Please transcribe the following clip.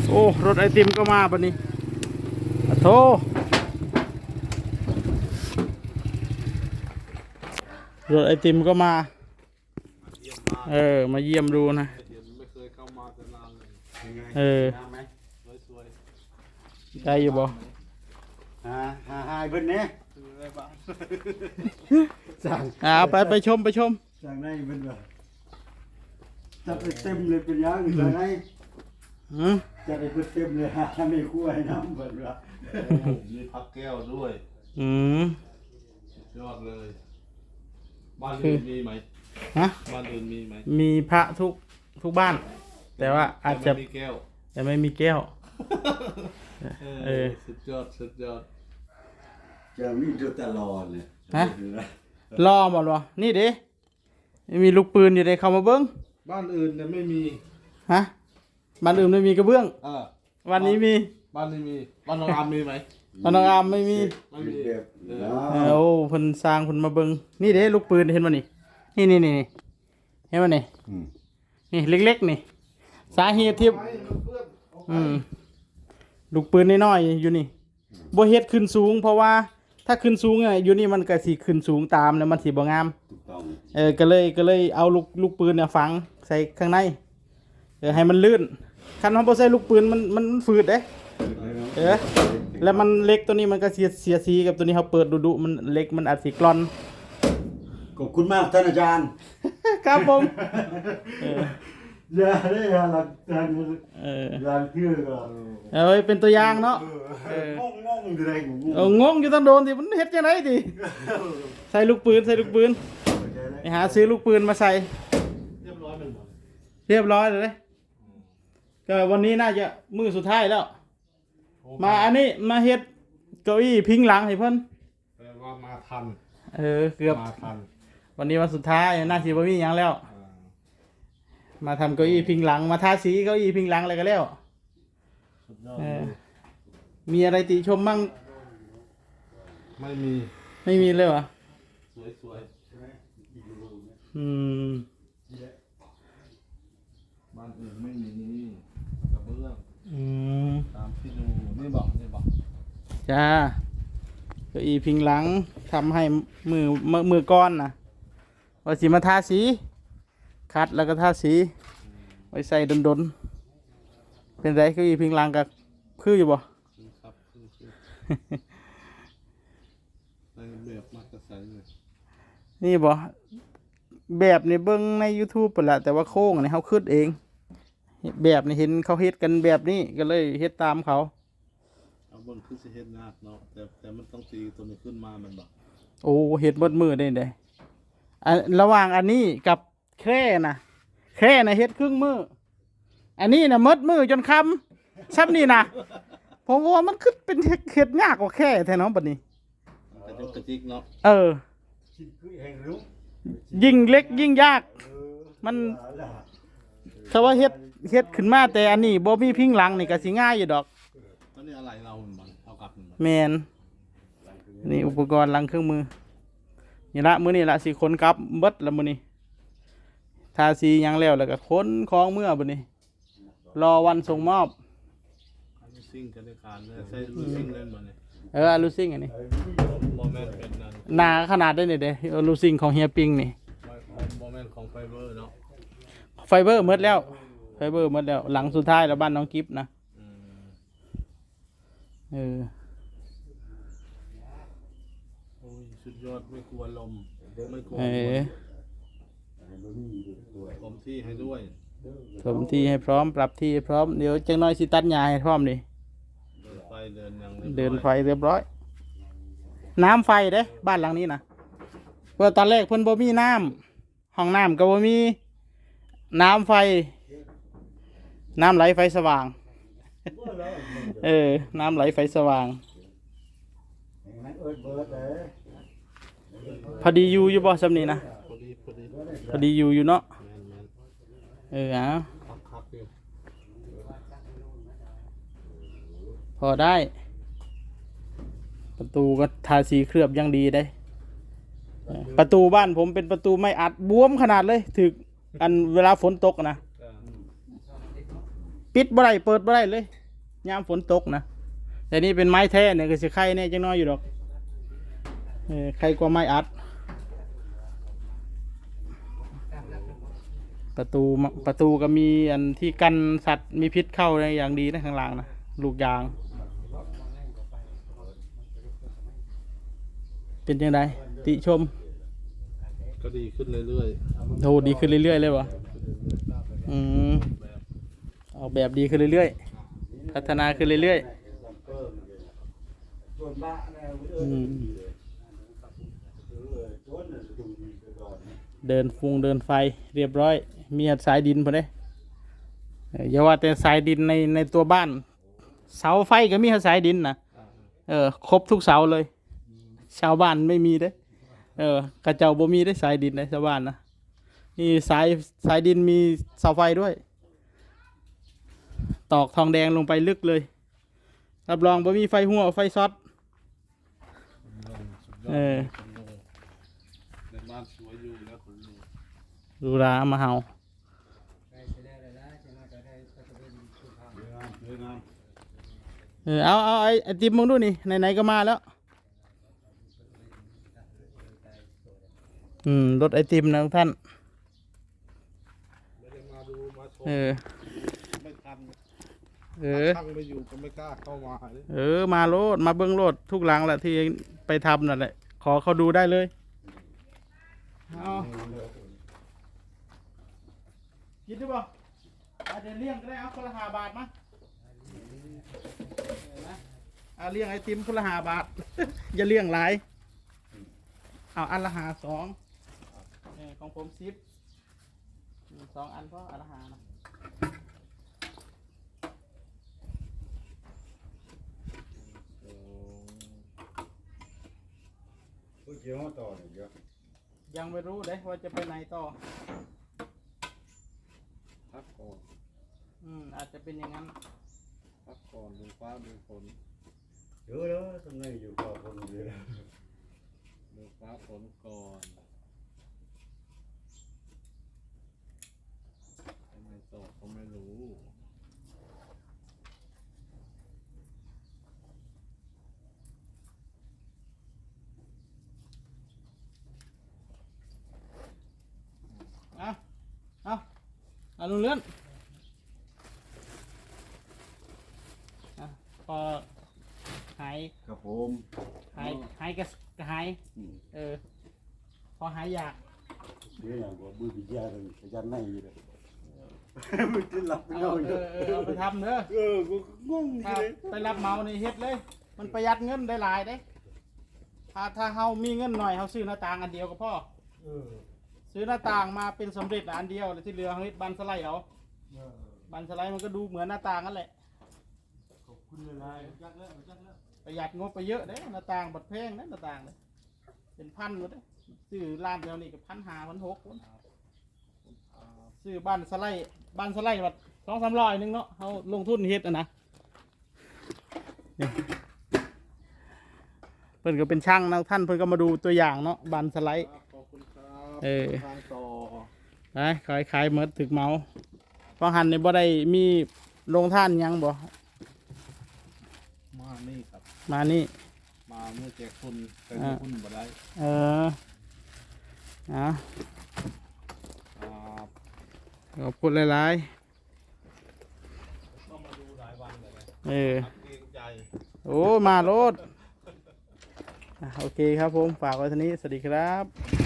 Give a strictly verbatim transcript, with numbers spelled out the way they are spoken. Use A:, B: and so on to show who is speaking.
A: โอ้รถไอติมก็มาปะนี้อะโธรถไอติมก็มาเออมาเยี่ยมดูนะ
B: ไม่เคยเข้ามาแต่นานเลย
A: เออ
B: สวย
A: ได้อยู่บ่
C: ฮ่าฮ่าฮ่าเบิ้ลเนี่ยสั่ง
A: เอาไปไปชมไปชม
C: สั่งได้เบิ้ลบ่จัดไปเต็มเลยเป็นยังสั่งได้จัดไปเต็มเลยฮะไม่คั่วให้น้ำเบิ้ลบ่
B: มีพักแก้วด้วย
A: อืม
B: ยอดเลยบ้านอื่นมีไหม
A: ฮะ
B: บ้านอื่นมีไหม
A: มีพระทุกทุกบ้านแต่ว่าอาจจะ
B: มีแก้ว
A: แต่ไม่มีแก้ว
B: เออสุดยอดสุดยอด
C: จะมีดูตลอดเลย
A: ฮะรอหมดวะนี่ดิมีลูกปืนอยู่ในเข้ามาเบิ้ง
B: บ้านอื่นเนี่ยไม่มี
A: ฮะบ้านอื่นไม่มีกระเบื้องวันนี้มี
B: บ้านนี้มีบ้านน้องอามมีไหม
A: บ้านน้องอามไม่มี
B: ไม่มี
A: โอ้เพิ่นสร้างเพิ่นมาเบิ้งนี่เด้ลูกปืนเห็นมั้ยนี่นี่นี่นี่เห็นมั้ยนี่นี่เล็กๆนี่สาเหตุที่อืมลูกปืนน้อยๆอยู่นี่บ่เฮ็ดขึ้นสูงเพราะว่าถ้าขึ้นสูงเนี่ยอยู่นี่มันก็สิขึ้นสูงตามแล้วมันสิบ่งามเออก็เลยก็เลยเอาลูกลูกปืนเนี่ยฝังใส่ข้างในเออให้มันลื่นคันเฮาบ่ใส่ลูกปืนมันมันฝืดเด้เออแล้วมันเล็กตัวนี้มันก็เสียเสียสีกับตัวนี้เฮาเปิดดุๆมันเล็กมันอาจสิกร่อน
C: ขอบคุณมากท่านอาจารย์
A: ครับผม
C: เอออย่าได้หลักฐานเออหลักเชื่อก็
A: เอ้ยเป็นตัวอย่างเนาะ
C: เอองงงอยู่ได้งง
A: เอองงอยู่ต้องโดนสิมันเฮ็ดจังได๋ติใส่ลูกปืนใส่ลูกปืนไปหาซื้อลูกปืนมาใส่
B: เรียบร้อยมันหมด
A: เรียบร้อยเลยก็วันนี้น่าจะมื้อสุดท้ายแล้วมาอันนี้มาเฮ็ดเก้าอี้พิงหลังให้เพิ่น
B: แปลว่ามาทัน
A: เออเกือบ
B: มาทัน
A: วันนี้วันสุดท้ายน่าสิบ่มีหยังแล้วมาทำเก้าอี้พิงหลังมาทาสีเก้าอี้พิงหลังอะไรก็แล้วมีอะไรติชมมั่ง
B: ไม่มี
A: ไม่มีเลยเหรอ
B: สวยสวย
A: อืม
B: บ้านอื่นไม่มีกระเบื้อง
A: อืม
B: ตามที่ดูนี่บอกนี่บอก
A: จ้าเก้าอี้พิงหลังทำให้มือมือก้อนนะว่าสิมาทาสีคัดแล้วก็ทาสีไว้ใส่ดนๆเป็นไรเก้าอี้พิงหลังกับคืออยู่บ่
B: ครับคือคือในแบบมักจะใส่เลย
A: นี่บ่แบบนี่เบิ่งใน YouTube ปุ่นละแต่ว่าโค้งนี่เฮาคิดเองแบบนี่เห็นเขาเฮ็ดกันแบบนี้ก็เลยเฮ็ดตามเขา
B: เอาเบิ่งคือสิเฮ็ดยากเนาะแต่แต่มันต้องตีตัวนี้ขึ้นมามันบ่
A: โอ้เฮ็ดเบิดมือได้เด้อันระหว่างอันนี้กับแค่น่ะแค่น่ะเฮ็ดครึ่งมืออันนี้น่ะมดมือจนค่ำซ้ำนี่น่ะผมว่ามันคือเป็นเฮ็ดยากกว่าแค่แท้เนาะบัดนี้
B: กระจุกกระจิกเนาะ
A: เออยิ่งเล็กยิ่งยากมันถ้าว่าเฮ็ดเฮ็ดขึ้นมาแต่อันนี้บ่มีพิงหลังนี่ก็สิง่ายอยู่ดอก
B: ตอนนี้อะไรเรามันเอากลับ
A: แม่นนี่อุปกรณ์หลังเครื่องมือนี่ละมื้อนี้ละสิขนกลับเบิดละมื้อนี้ทาสีหยังแล้วแล้วก็ขนของเมื่อบัดนี้รอวันส่งมอบ
B: ลูซิ่งกันในการเลยใช้ลูซิ่งเล่นบ่นี่
A: เออลูซิ่งอันนี้
B: บ่แม่นเป็นนั่น
A: หนาขนาดได้นี่เด้ลูซิ่งของเฮียปิงนี่
B: บ่แม่นของไฟเบอร์เนาะ
A: ไฟเบอร์หมดแล้วไฟเบอร์หมดแล้วหลังสุดท้ายแล้วบ้านน้องกิฟต์นะเออ
B: โอ้ยสุดยอดไม่กลัวลมไม่กลัวผมที่ให้ด้วย
A: ผมที่ให้พร้อมปรับที่ให้พร้อมเดี๋ยวจังน้อยสิตัดหญ้าให้พร้อมดิ
B: เดินไฟเดินยัง
A: เดินไฟเรียบร้อยน้ำไฟเด้บ้านหลังนี้นะเพื่อตอนแรกเพิ่นบ่มีน้ำห้องน้ำก็บ่มีน้ำไฟน้ำไหลไฟสว่างเออน้ำไหลไฟสว่างพอดีอยู่อยู่บ่ซำนี้นะ
B: พอดีพอดี
A: พอดีอยู่อยู่เนาะเอออ่ะพอได้ประตูก็ทาสีเคลือบยังดีได้ประตูบ้านผมเป็นประตูไม่อัดบวมขนาดเลยถึกอันเวลาฝนตกนะปิดบ่ได้เปิดบ่ได้เลยยามฝนตกนะแต่นี่เป็นไม้แท้เนี่ยก็สิไข่เนี่ยจังน้อยอยู่ดอกเออไข่กว่าไม้อัดประตูประตูก็มีอันที่กันสัตว์มีพิษเข้าในอย่างดีนะข้างล่างนะลูกยาง เป็นยังไงติชม
B: ก็ดีขึ้นเรื่อย
A: โหดีขึ้นเรื่อยๆเลยวะอืมออกแบบดีขึ้นเรื่อยๆพัฒนาขึ้นเรื่อยๆอืมเดินฟุงเดินไฟเรียบร้อยมีสายดินพอดีอย่าว่าแต่สายดินในในตัวบ้านเสาไฟก็มีสายดินนะเออครบทุกเสาเลยชาวบ้านไม่มีเด้เออกระเจ้าบ่มีได้สายดินในชาวบ้านนะนี่สายสายดินมีเสาไฟด้วยตอกทองแดงลงไปลึกเลยรับรองบ่มีไฟหัวไฟช็อต
B: ๆ
A: เออ
B: ในบ้านสวยอยู่แล้วคุณลุง
A: ดูรามาเฮา
B: สวยงาม
A: เออเอาเอาไอ้ไอติมมึงดูนี่ไหนๆก็มาแล้วอืมรถไอติมนะทุกท่าน
B: ไม่ได้มาดูมาชม
A: เออ
B: ไม่ทัน
A: เออ
B: ช่างไม่อยู่ก็ไม่กล้าเข้ามาเลย
A: เออมาโลดมาเบิ้งโลดทุกหลังแหละที่ไปทำนั่นแหละขอเขาดูได้เลยเอาคิดดูบ่อาจจะเลี้ยงก็ได้เอาคนละห้าบาทมั้ยเอาเลี้ยงไอติมคนละห้าบาท อย่าเลี้ยงหลายเอาอันละหาสองเออของผมสิบสองอันก็อันละหานะ
C: ผู้เชี่ยวต่อเนี่ยเยอะ
A: ยังไม่รู้เลยว่าจะไปไหนต่อ
B: พักก่อน
A: อืมอาจจะเป็นอย่างนั้น
B: พักก่อนดูฟ้าดูฝน
C: เยอะแล้วทำไมอยู่กับคนเดียว
B: ดูฟ้าฝนก่อนทำไมตกก็ไม่รู้
A: เอาเอาเอาลุงเลื่อนอ่ะพอหาย
C: ครับผม
A: หายหายก็ก็หาย
C: อืม
A: เออ พอหายอยาก
C: เดี๋ยวอย่างว่ามือพิจารณายันในอยู่เลยมือจะหลับไม่
A: เอา
C: เอา
A: เออเออเอาไปทำเด้อ
C: เออกูงง
A: ถ้า
C: เลย
A: ไปรับเหมาในเฮ็ดเลย มันประหยัดเงินได้หลายเด้ถ้าถ้าเฮามีเงินหน่อยเฮาซื้อหน้าต่างอันเดียวก็พอ
C: เออ
A: ซื้อหน้าต่างมาเป็นสำเร็จอันเดียวแล้วที่เหลือเฮาเฮ็ดบันสไลด์เอา
C: เออ
A: บันสไลด์มันก็ดูเหมือนหน้าต่างนั่นแหละ
C: ขอบคุณเลยนะจักแล้วจักแล้ว
A: ประหยัดงบไปเยอะเด้หน้าต่างบัดแพงเด้หน้าต่างเลยเป็นพันหมดเด้ซื้อร้านเดียวนี่ก็พันห้าพันหกคนซื้อบ้านสไลด์บ้านสไลด์บัดสองสามร้อยหนึงเนาะเขาลงทุนเฮ็ดอ่ะนะนี่เพิ่นก็เป็นช่างนะท่านเพิ่นก็มาดูตัวอย่างเนาะบ้านสไลด์
B: ขอบคุณครับ
A: เออ
B: ทางต่อ
A: ไปขายขายเมดถึกเมาเพราะหันนี่บ่ได้มีโรงท่านหยังบ่
B: มานี่ครับ
A: มานี่
B: มาเมื่อแจกคุณแต่
A: อ่า
B: คุณบ่ได้
A: เออเอา
B: ครับ
A: ขอบคุณหลาย
B: ต้องมาดูหลายวันเลยนะ
A: ๆเออ
B: เกรงใจ
A: โอ้ มาโลดอ่ะโอเคครับผม ฝากไว้เท่านี้ สวัสดีครับ